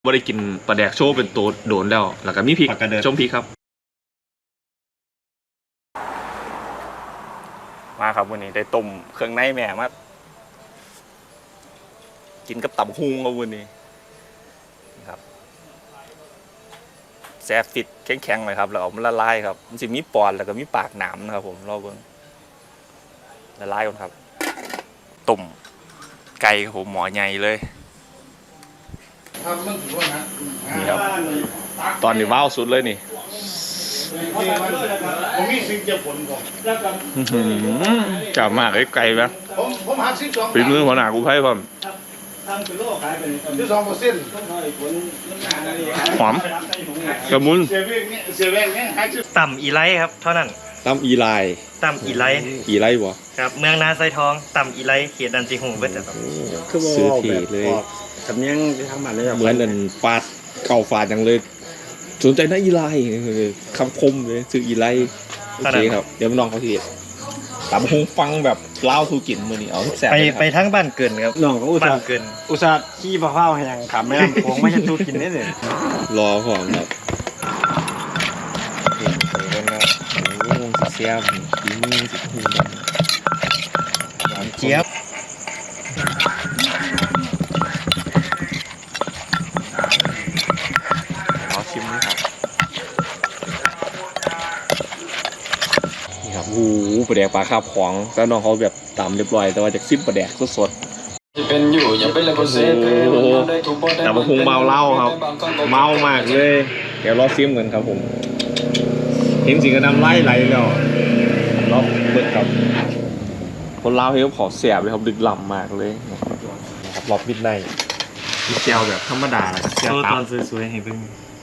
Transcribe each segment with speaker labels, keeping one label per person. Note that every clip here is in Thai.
Speaker 1: บ่ได้กินปลาแดกโชว์เป็นตัวโดนแล้วก็มีพริกชมพริกครับมาครับวันนี้ได้ต้มเครื่องในแม่มากินกับตับฮุงครับวันนี้ครับแซ่บฟิตแข็งๆเลยครับแล้วเอามันละลายครับมันจะมีปอนแล้วก็มีปากหนามนะครับผมรอเบิ่งละลายก่อนครับต้มไก่ครับผมหมอใหญ่เลยนี่ครับตอนนี้ว้าวสุดเลยนี่
Speaker 2: ผมมีสิ่งจะผลก่อน
Speaker 1: จับมากไก่ไหม
Speaker 2: ผมหัก12
Speaker 1: ฝีมือหัวหน้ากูไพ่ผมหอมกระมุน
Speaker 2: เสียแวงเนี่ยหัก
Speaker 3: ต่ำอีไลครับเท่านั้น
Speaker 1: ตำอีไล
Speaker 3: ต่ำอีไล
Speaker 1: บ่
Speaker 3: ครับเมืองนาไซทองต่ำอีไลเขตดันจิหงเบิดครับ
Speaker 1: ซื้อทีเลย
Speaker 2: สำเนียงที่ทางบ้านเลย
Speaker 1: เหมือนเดินฟาดเก่าฟาดอย่างเลยสนใจนะอีไลคำคมเลยซื้ออีไลโอเคครับเดี๋ยวน้องเขาทีตำฮงฟังแบบเล่าทูกินมือนี่เอาแซ่บ
Speaker 3: ไปทั้งบ้านเกินครับ
Speaker 2: น้องก็อุตส่าห์
Speaker 3: เกิน
Speaker 2: ขี้มะพร้าวแห้งขำไม่ลำโพงไม่ใช่ทูกินได้เลย
Speaker 1: รอพร้อมครับเสียบฝีมือสิคุณ
Speaker 3: หวานเจี๊ยบ
Speaker 1: ขอชิมนะครับนี่ครับโอ้โหปลาแดกปลาคาบของแล้วน้องเขาแบบตำเรียบร้อยแต่ว่าจากซิมปลาแดกสด
Speaker 4: จะเป็นอยู่อย่าเป็นเลยคนเซ่
Speaker 1: โอ้โหแต่มาพุงเมาเหล้าครับเมามากเลยเดี๋ยวรอซิมกันครับผมเห็นสิงกระนำไล่ไหลแล้วรอบเบิดครับคนลาวเฮลขอเสียบเลยครับดึกล่ำมากเลยนะครับรอบมิดไนท์มีเจลแบบธรรมดาเลยเจลตอน
Speaker 3: สวยๆให้เพิ่ง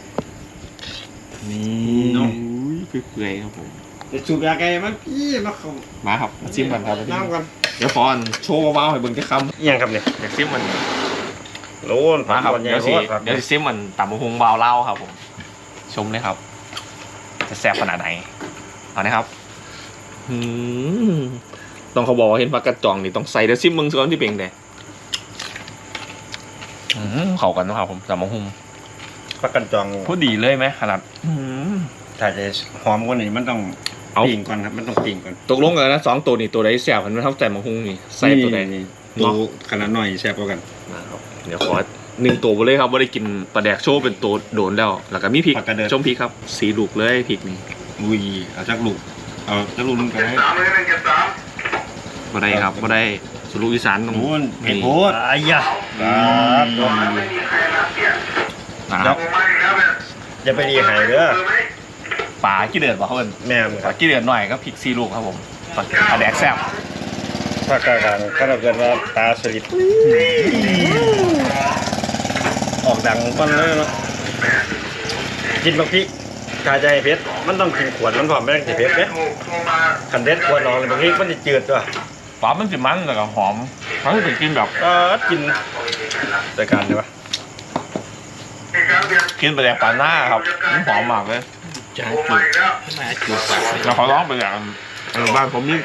Speaker 1: นี่เปื่อยๆครับผม
Speaker 2: จะจูบยาแกมันพี่
Speaker 1: มาครับมาซิมกันครับ
Speaker 2: น้ำกัน
Speaker 1: เดี๋ยวฟอนโชว์ว้าวให้เบิ่งจะคำ
Speaker 3: ยังครับเนี่ย
Speaker 1: อยากซิมมัน
Speaker 2: โลน
Speaker 1: มาครับเดี๋ยวซิมมันต่ำมะฮุงเบาเล่าครับผมชมเลยครับจะแซ่บขนาดไหนเอานะครับต้องเขาบอกว่าเห็นปลากระจ่องนี่ต้องใส่เดี๋ยวซิมมึงซ้อนที่เป่งเลยเข้ากันนะครับผมต่ำมะฮุง
Speaker 2: ปลากันจอง
Speaker 1: พูดดีเลยไหมขนาด
Speaker 2: ถ้าจะหอมกว่านี้มันต้องปิ้งก่อนครับมันต้องปิ้งก่อน
Speaker 1: ตกลงกันนะ2ตัวนี่ตัวใดแซ่บมันเท่าใจมะฮุงนี่ใส่ตัวใด
Speaker 2: ตัวขนาดหน่อยแซ่บกว่ากัน
Speaker 1: เดี๋ยวขอ1ตัวไปเลยครับว่าได้กินปลาแดกโชว์เป็นตัวโดนแล้วก็มีพริกชมพริกครับสีลูกเลยพริกนี่
Speaker 2: อุ้ยเอาจักลูกนึงกันให้
Speaker 1: บ่ได้ครับบ่ได้สุรุอีสานตรง
Speaker 2: นู้นเห็ดโพด
Speaker 3: อายะ
Speaker 2: จะไปดีหายเด้อ
Speaker 1: ปลาขี้เดือดป่ะเพื่อน
Speaker 2: แม่
Speaker 1: ปลาขี้เดือดหน่อยก็พริกซีลูกครับผมปลาแดกแซ่บ
Speaker 2: ภาคกลางก็เราเกิดว่าตาสลิดออกดังปั้นเลยเนาะกินบางทีกาใจเพชรมันต้องกินขวดมันพอไม่ต้องกินเพชรเนี่ยขันเด็ดขวดน้องบางทีมันจะจืดตัว
Speaker 1: ปลามันจะมันแต่ก็หอมเขาจะกินแบบ
Speaker 2: กินรายการใช่ปะ
Speaker 1: กินไปแดกปลาหน้าครับมันหอมมากเลย
Speaker 4: จะจุดมาจุด
Speaker 1: เราขอร้องไปอย่างบ้านผมนี่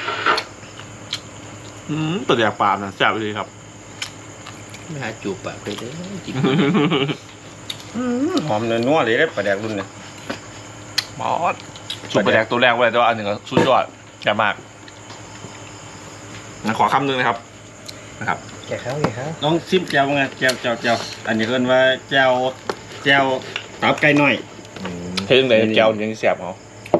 Speaker 1: ตัวแดกปลานะแซ่บเลยครับ
Speaker 4: ไม่หาจูบปากไปเลยจริง
Speaker 2: หอมเนื้อนัวเลยได้ปลาแดกรุ่นเนี่ย
Speaker 1: บอสสุดปลาแดกตัวแรกไว้แต่ว่าอันหนึ่งก็สุดยอดแซ่บมากขอคำหนึ่งนะครับ
Speaker 3: แกะข้าว
Speaker 2: น้องซิมแจ่วไงแจ่วอันนี้เรียกว่าแจ่วตับไก่น้อย
Speaker 1: เพิ่งเลยแจ่วยังแซ่บเหรอ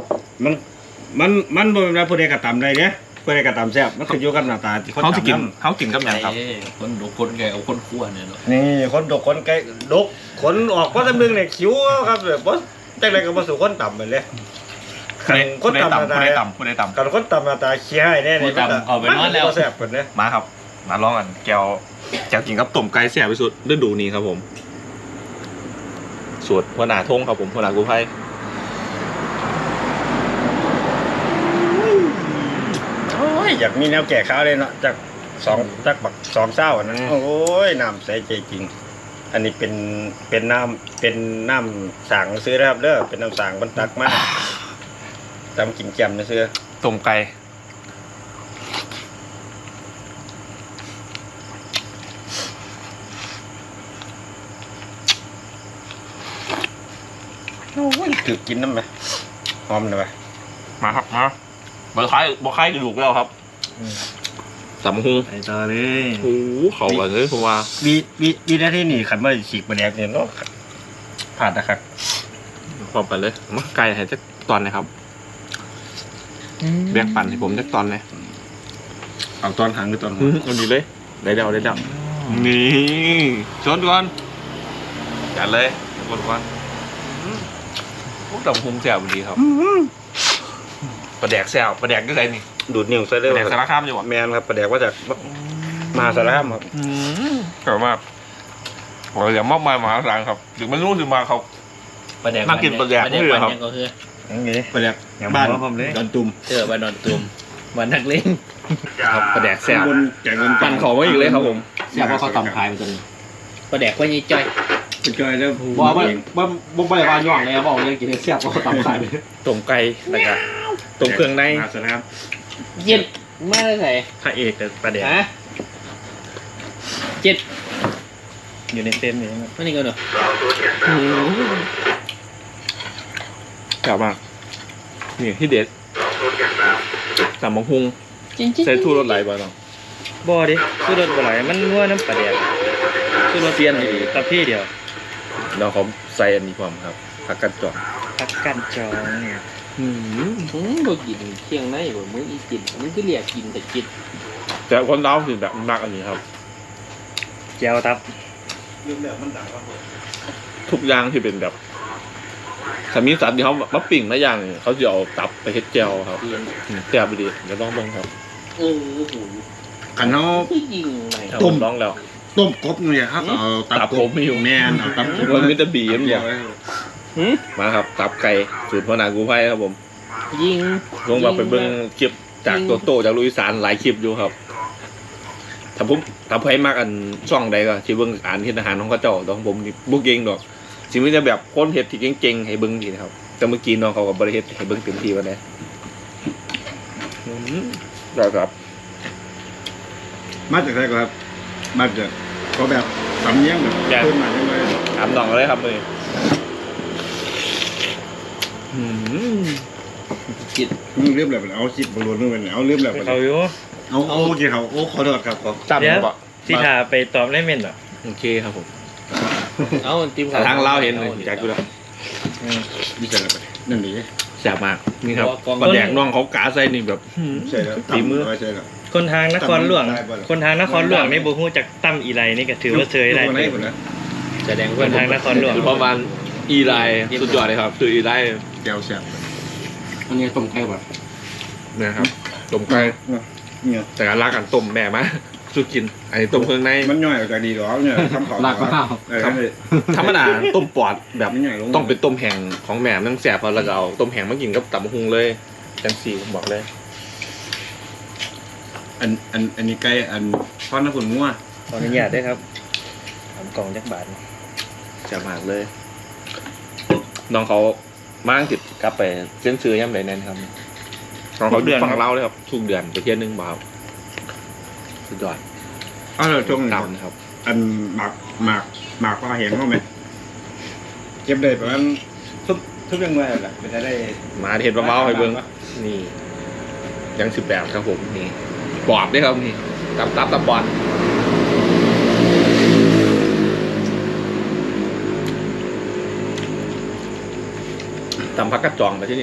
Speaker 2: มันโดนแล้วผู้ใดกระตำได้เนี่ยผู้ใดกระตำแซ่บมันขึ้นอยู่กับหน้าตา
Speaker 1: เขาจะกินกับอย่างครับ
Speaker 4: คนดกคนไก่เอาคนขั้วเนี่ยเนาะ
Speaker 2: นี่คนดกคนไก่ดกขนออกเพราะตะมึงเนี่ยคิ้วครับแบบว่าจังไรก็มาสู่คนต่ำไปเลย
Speaker 1: คนต่ำกัน
Speaker 2: คนต่ำหน้าตาเขี้ยให้แน่เลย
Speaker 4: มันแล้ว
Speaker 2: แซ่บคนเนี่ย
Speaker 1: มาครับมาลองกันแก้วกินกับต้มไก่แซ่บที่สุดฤดูนี้ครับผมสูตรหัวหน้าทงครับผมหัวหน้ากู้ภัย
Speaker 2: อยากมีแนวแก่ข้าวเลยเนาะจากบัก2เศร้าอันนั้นโอ้ยน้ำใสใจจริงอันนี้เป็นน้ำสั่งซื้อนะครับเด้อเป็นน้ำสั่งบรรตักมาตามกินแจ่มนะซื้อ
Speaker 1: ต้มไก่
Speaker 2: โอ้ยถือกินน้ำไหมหอมเลยไหม
Speaker 1: มาครับมาบะไข่กระดูกแล้วครับตำหุง
Speaker 3: ไปต่อเลย
Speaker 1: โอ้โหเขากันเลยผมว่า
Speaker 2: วีหน้าที่นี่ขันว่าฉีกบะแดกเนี่ยเนาะผ่านนะครับ
Speaker 1: พร้อมกันเลยมาไก่ให้จักตอนนะครับแบ่งปันให้ผมจักตอนเลย
Speaker 2: เอาตอนหางหรือตอนหัว
Speaker 1: เอาดีเลยได้เดานี่ชนก่อนจัดเลยชนก่อนพวกตำหุงแซ่บดีครับปลาแดกแซ่บปลาแดกก็ไรนี่
Speaker 2: ดูดนิ้วใส่
Speaker 1: ป
Speaker 2: ได้
Speaker 1: ลาแดกสารคามอยู่วะ
Speaker 2: แมนครับปลาแดกว่าจากมหาสารคามครับ
Speaker 1: กลับมาผมอยากมอบมายมหาศาลครับถึงไม่รู้ถึงมาเขา
Speaker 4: ประแดก
Speaker 1: น่ากินประแดก
Speaker 4: ประแดก
Speaker 1: นี่เหรอครับ
Speaker 4: วันยังก็คือ
Speaker 2: อย่างนี้ปลาแดก
Speaker 3: อย่าง
Speaker 2: บ้าน
Speaker 3: ผมเลย
Speaker 2: ดอนตุ่ม
Speaker 4: บ้านนอนตุ่มบ้านนักเลง
Speaker 1: ครับปลาแดกแซ่บ
Speaker 2: ข้างบนแกงเงิน
Speaker 1: ปั่นเขาไว้อีกเลยครับผม
Speaker 4: แซ่บเพราะเขาตำขายมันจนประแดกว่ายี่จ้อย
Speaker 2: เป็นจอยแล้ว
Speaker 5: ว่าบ่ได้ว่าย่องเลยบอกเลยกินแซ่บก็ตำขายไป
Speaker 1: ต้มไก่แล้วก็ต้มเครื่องใน
Speaker 2: มหาสารคาม
Speaker 4: เย็นไม่ได้ใส่
Speaker 3: พระเอกแต่ประเด็น
Speaker 4: ฮะเจ็ด
Speaker 3: อยู่ในเต็นท์นี่ครับ
Speaker 4: ไม่นี่ก็เนอะ
Speaker 1: แซ่บมากนี่ที่เด็ดตำบักฮุง
Speaker 4: จริงจริง
Speaker 1: ใส่ทูรสไหลบ่เนาะ
Speaker 3: บ่ดิสู้รถบ่ไหลมันนัวน้ำประเด็นสู้รถเปลี่ยนดีตะพี่เดียว
Speaker 1: เราเขาใส่อันนี้ความครับผักกัดจอก
Speaker 3: พักกันจอง
Speaker 4: บ่กินเที่ยงในบ่มื้ออีกินมันก็เรียกกินแต่กิน
Speaker 1: แต่คนเราคือแบบมากอันนี้ครับ
Speaker 3: แก้วตับ
Speaker 1: ทุกอย่างที่เป็นแบบสามีสัตว์ที่เขามาปิ่งมาอย่างนี่เขาจะเอาตับไปเฮ็ดแจ่วครับ
Speaker 4: เรียน
Speaker 1: แซ่บดีเดี๋ยวลองเบิ่งครับ
Speaker 4: โห
Speaker 2: ขันเขา
Speaker 4: คือยิงไหน
Speaker 1: ครับ
Speaker 2: ต้ม
Speaker 1: ผมลองแล้ว
Speaker 2: ต้มกบเนี่ยครับเอา
Speaker 1: ตับผมไม่อยู่
Speaker 2: แม่นเอาตับกบ
Speaker 1: มันมีแต่บีมอย่าง
Speaker 2: เดียว
Speaker 1: มาครับตับไก่สูตรพ่อนากูไพ่ครับผม
Speaker 4: ยิง
Speaker 1: ลงมาไปเบิ่งคลิปจากโตโต้จากลุยสานหลายคลิปอยู่ครับถ้าไพ่มากอันช่องใดก็ที่เบิ่งอ่านเฮ็ดอาหารของเขาเจ้าแตของผมนี่บ่เก่งดอกสิมีแต่แบบคนเฮ็ดที่เก่งๆให้เบิ่งนี่นะครับแต่เมื่อกี้น้องเขาก็บ่ได้เฮ็ดให้เบิ่งเต็มที่ว่าได้ได้ครับ
Speaker 2: มาจากไหนก่อนครับมาจากเขาแบบสำเนียงแบบขึ้นมาใช่ไหม
Speaker 1: ถามน้องเลยครับมื้อนี้
Speaker 4: จิต
Speaker 2: เรียบแบบเอาจิตบอลลูนนู่นเอาเรียบแบบ
Speaker 3: เขาอยู่
Speaker 2: เอาโอเคเขาโอ้ขอโทษครับขอ
Speaker 1: จำ
Speaker 3: เดี๋ยว
Speaker 1: บ่
Speaker 3: ที่ทาไปตอบได้เม่นเหรอ
Speaker 1: โอเคครับผม
Speaker 4: เอาติม
Speaker 1: ถ้าทางลาวเห็นเลยอยากกูแล้ว
Speaker 2: ดีใจแล้วนั่นดี
Speaker 1: แซ่บมากนี่ครับปลาแดกน้องเขากาใส่นี่แบบ
Speaker 2: ใช่แล้ว
Speaker 1: ฝีมือ
Speaker 2: ใช่แล้ว
Speaker 3: คนทางนครหลวงคนทางนครหลวงนี่บ่ฮู้จักตั้มอีไลนี่ก็ถือว่าเซยได้
Speaker 2: ไหนคนนะ
Speaker 4: แสดง
Speaker 3: ค
Speaker 4: ว่าน
Speaker 3: ทางนครหลวง
Speaker 1: คือประมาณอีไลน์สุดยอดเลยครับคืออีไลน์
Speaker 2: แก้วแซ่บ
Speaker 5: อันนี้ต้มไก่บ่
Speaker 1: นะครับต้มไก่
Speaker 2: เนี่ย
Speaker 1: แต่การรักกันต้มแม่มาสู้กินอันนี้ต้มเครื่องใน
Speaker 2: มันย่อยออกจากดีหรอเนี่ยคำขอ
Speaker 5: ลากข้าว
Speaker 1: ธรรมดาต้มปอดแบบ
Speaker 2: มันย่อยลง
Speaker 1: ต้องเป็นต้มแห้งของแม่นั่งแสบพอแล้วก็เอาต้มแห้งมากินกับตับกหุงเลยจังสี่ผมบอกเลย
Speaker 2: อันนี้ไก่อันทอดน้ำผุนงัว
Speaker 3: ขออนุญาตด้วยครับทำกล่องจักบาท
Speaker 1: แสบมากเลยน้องเขามาอังกฤษกลับไปเส้นซื้อย่ำไหนแน่นครับน้องเขาเดือนฟังเล่าเลยครับทุกเดือนไปเที่ยวนึงบ่าวสุดยอด
Speaker 2: อ้าวช่วง
Speaker 1: ดำครับ
Speaker 2: อันหมากปลาเห็นเขาไหมเก็บได้ประมาณทุกยังไงแหละเป็นได้
Speaker 1: มาเห็นปลาเมาให้เบิ้งนี่ยัง18ครับผมนี่ปอดด้วยครับนี่ตับปอดตำพักกระจองไปที่นี่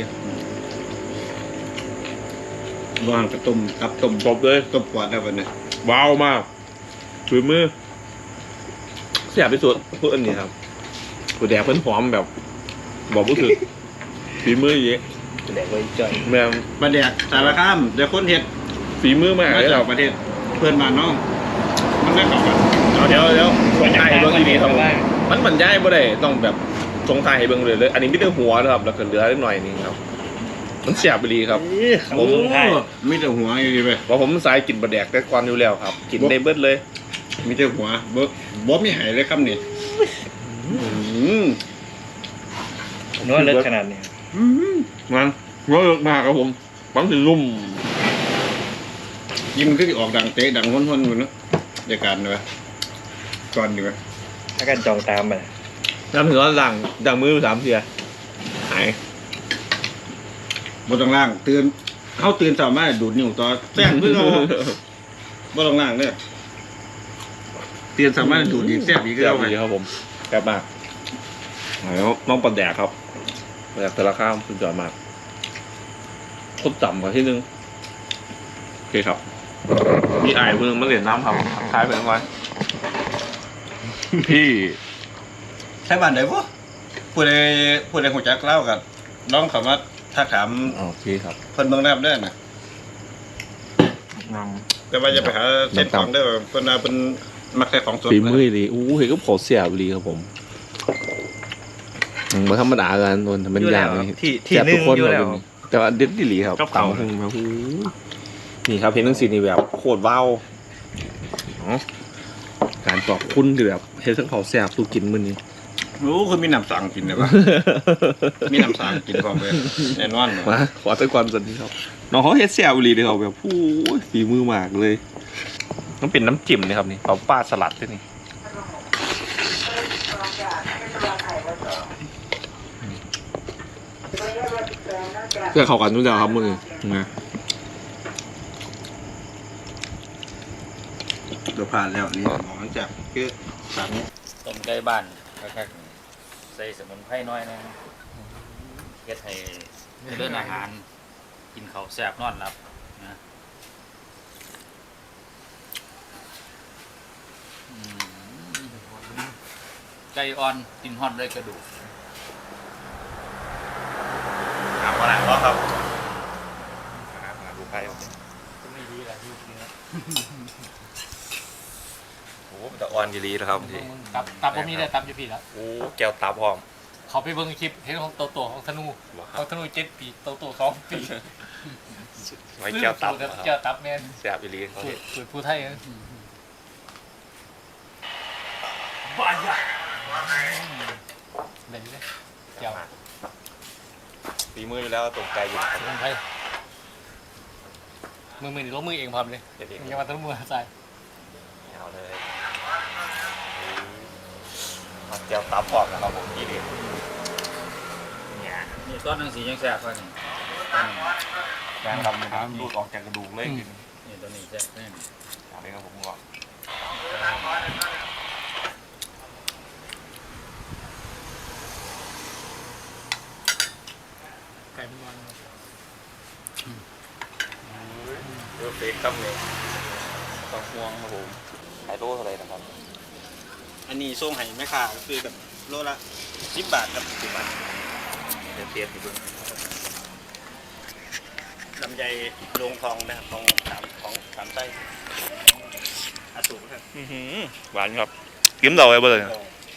Speaker 2: วางกระต้มกับต้ม
Speaker 1: ครบเลย
Speaker 2: ต้มปอดได้วันนี้
Speaker 1: ว้าวมากฝีมือเสียบที่สุดพูดอันนี้ครับผู้แดกเพิ่นหอมแบบ บอกผู้ถึกฝีมือเยอะ
Speaker 3: แดกไว้จ่อย
Speaker 1: แม่ง
Speaker 2: ประเดี๋ยวสารคามเดี๋ยวคนเห็ด
Speaker 1: ฝีมือมาก
Speaker 2: มา
Speaker 1: เลยค
Speaker 2: จา
Speaker 1: รั
Speaker 2: ก
Speaker 1: บ
Speaker 2: ประเทศเพื่อนบ้านน้องมันได้กลับกัน
Speaker 1: เดี๋ยวส่งท้ายให้เบิ้งอีนี้ครับ
Speaker 3: ว่า
Speaker 1: มันบรรยายบ่ได้ต้องแบบส่งท้ายให้เบิ้งเลยอันนี้ไม่ได้หัวนะครับแล้วก็เหลือนิดหน่อยนึงครับ มันเสียบไปดีครับ
Speaker 3: เขาลงท้าย
Speaker 2: มีแต่หัวอยู่ดีไป
Speaker 1: เพราะผมสายกินบะแดกแต่ก่อนอยู่แล้วครับ กินได้เบิดเลย
Speaker 2: มีแต่หัวบ่มีหายเลยครับนี่
Speaker 3: นวดเลิกขนาดนี้
Speaker 1: มันเวิร์กมากครับผมฟังถึงนุ่ม
Speaker 2: ยิ้มขึ้นออกดังเตะดังห้นๆอยู่เนาะเดียวกันเลยก่อนดีไหม
Speaker 3: ถ้ากันจองตามไป
Speaker 1: น้ำถึงว่าหลังดังมือ3 เทียหาย
Speaker 2: บนตรงล่างตื่นเขาตื่นสามารถดูดนิ้วต่อแซ่บเพื่อเอาบนตรงล่างเนี่ยตื่นสามารถดูดอีกแซ่บอีก
Speaker 1: แซ่
Speaker 2: แล้
Speaker 1: บ
Speaker 2: วไง
Speaker 1: ดีครับผมแซ่บมากแล้วน้องปลาแดกครับปลาแดกแต่ละข้ามสุดยอดมากคนต่ำกว่าที่นึงโอเคครับมีไอ้เพิ่งมาเหรียญน้ำครับท้ายไปทั้งวันพี่
Speaker 2: ใช่บ้านไหนวะผู้ใดหัวจักเล่ากับน้องเขามาทักถาม
Speaker 1: โอเคครับ
Speaker 2: เพิ่นเบิ่งแนบเด้อน่ะ
Speaker 1: น้
Speaker 2: แต่ว่าจะไปหาเส้นของเด้อเพิ่นน่ะเพิ่นมักใส่ของสด
Speaker 1: ำฝีมือดีอู้เห็นก็เผาเสียบดีครับผมมาธรรมดากันโดนทำเป็นอย่างนี้
Speaker 3: ที่นึ่งอยู่แล้ว
Speaker 1: แต่ว่าเด็ดดีหลีครับ
Speaker 3: กับเขา
Speaker 1: ตำพึ่งมาหูนี่ครับเพนทั้งสีนี่แบบโคตรว้าวเนาะการตอบคุณคือแบบเฮ็ดทั้งเผาแซ่บสู้กินมื้อนี้
Speaker 2: รู้คือมีน้ำสังกินได้ปะ มีน้ำสังกินพร้อมเลยแน่นอน
Speaker 1: มาขอสักก่อนสันนี้ครับน้องเขาเฮ็ดแซ่บอีหลีเลยครับแบบผู้ฝีมือมากเลยต้องเป็นน้ำจิ้มนะครับนี่เอาปลาสลัดด้วยนี่เพื่อเข้ากันทุกอย่างครับมือนะ
Speaker 2: เดี๋ยวผ่านแล้วนี่หมอจากคือสัง
Speaker 3: ต้มไก่บ้านครับใส่สมุนไพรน้อยนะเฮ็ดให้เรื่องอาหารกินข้าวแซ่บนอนหลับนะไก่อ่อนกินฮอดเลยกระดูก
Speaker 2: ถามว่าไหนวะครับ
Speaker 1: ดูไป
Speaker 3: ไม่ดีแหละยุคนี้
Speaker 1: โอ้แต่อ่อนยีรีนะครับที
Speaker 4: ตับผมมีได้ตับอยู่พี่แล้ว
Speaker 1: โอ้แก้วตาพร้อม
Speaker 4: เขาไปเบิ่งคลิปเห็นของโตของธนูของธนู7 ปีโต2 ปี
Speaker 1: ไว้แก้วตับ
Speaker 4: แก้วตับแม่น
Speaker 1: แซ่บอีรีเขา
Speaker 4: สูตรผู้ไทยนะได้เลยแก้ว
Speaker 1: ฝีมืออยู่แล้วตกใจอยู่
Speaker 4: สมุนไพรมือนี่ลงมือเองพร้อมเลย
Speaker 1: เด็ก
Speaker 4: ยังมาต้องมือใส่
Speaker 1: ๆเอาเลยแก้วตาพร้อมนะครับผมอีรี
Speaker 3: นี่ซอสนังสียังแซ่บกว่านี่
Speaker 1: แกงทำดูดออกจากกระดูกเลย
Speaker 3: นี่ตัวนี้แซ่บแน่
Speaker 1: อันนี้ครับผมว่า
Speaker 4: ไก่เป็นวัน
Speaker 1: เลือกเล็กครับเนี่ยต้องห่วงครับผมขายโลเท่าไหร่นะครับ
Speaker 2: อันนี้ส่งให้แม่ค้าก็คือแบบโลละ10 บาทครับ10 บาท
Speaker 1: เดี๋ยวเตรียมอีกเพิ่ง
Speaker 2: ลำไยโรงทองนะครับของสามไส้อาสูรครับ
Speaker 1: หวานครับกิ้มเราไปเลย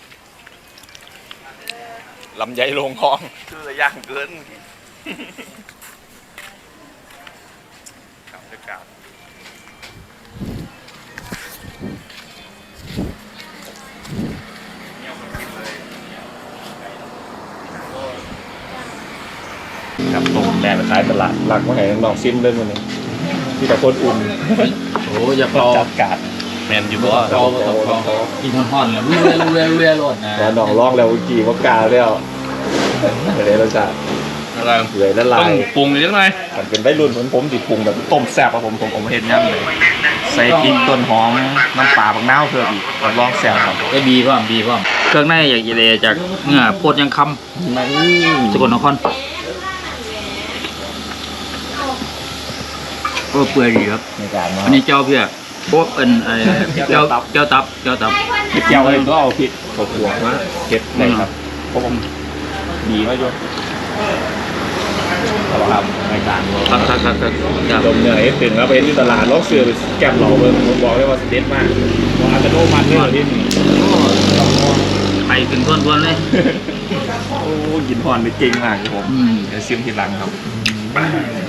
Speaker 1: ลำไยลงคลองชื่ออย่างเกินครับบรรยากาศครับตรงแม่ไปขายตลาดหลักมาให้น้องซิมเล่นวันนี้ที่แต่คนอุ่น
Speaker 4: โอ้อย่าพอ
Speaker 1: จัดการแมนอยู่บ่
Speaker 4: กินห่อนๆเรื่อยๆโลดนะ
Speaker 1: แล้วน้องร้องแล้วกี่ว่ากาแล้วเดี๋ยวเราจะ
Speaker 3: อะไร
Speaker 1: เปื่อยละลา
Speaker 3: ต้อง
Speaker 1: ย
Speaker 3: ปรุงนิดหน่อย
Speaker 1: มันเป็นใบรุ่นเหมือนผมติดปรุงแบบต้มแซ่บครับผมเห็นย่ำเลยใส่พริกต้นหอมน้ำปลาบักนาวเพิ่มอีกรับรองแซ่บครับ
Speaker 3: ก็บีพร้อมเครื่องในอย่างอีเลจากเนื้อโพดยังคำสกลนครก็เปื่อยดีครับ
Speaker 1: ในการมา
Speaker 3: อันนี้เจ้าเพื่อพวกเป็นเจ้าตับ
Speaker 1: เก็บเจียวเลยก็เอาพริกข้าวคั่วมาเก็บได้ครับเพราะผมดีมากอยู่เอาละครับในการเรา
Speaker 3: ครับ
Speaker 1: ดมเนื้อให้ตึงแล้วไปที่ตลาดลอกเสือไปแกมเหล่าเลยผมบอกเลยว่าเด็ดมากว่าอาจจะโน้มันด้วยที่นี่
Speaker 3: ไปถึงท้วนๆเลย
Speaker 1: โอ้ยินพรไปเก่งมากครับผม
Speaker 3: อืม
Speaker 1: เดี๋ยวซิมทีหลังครับ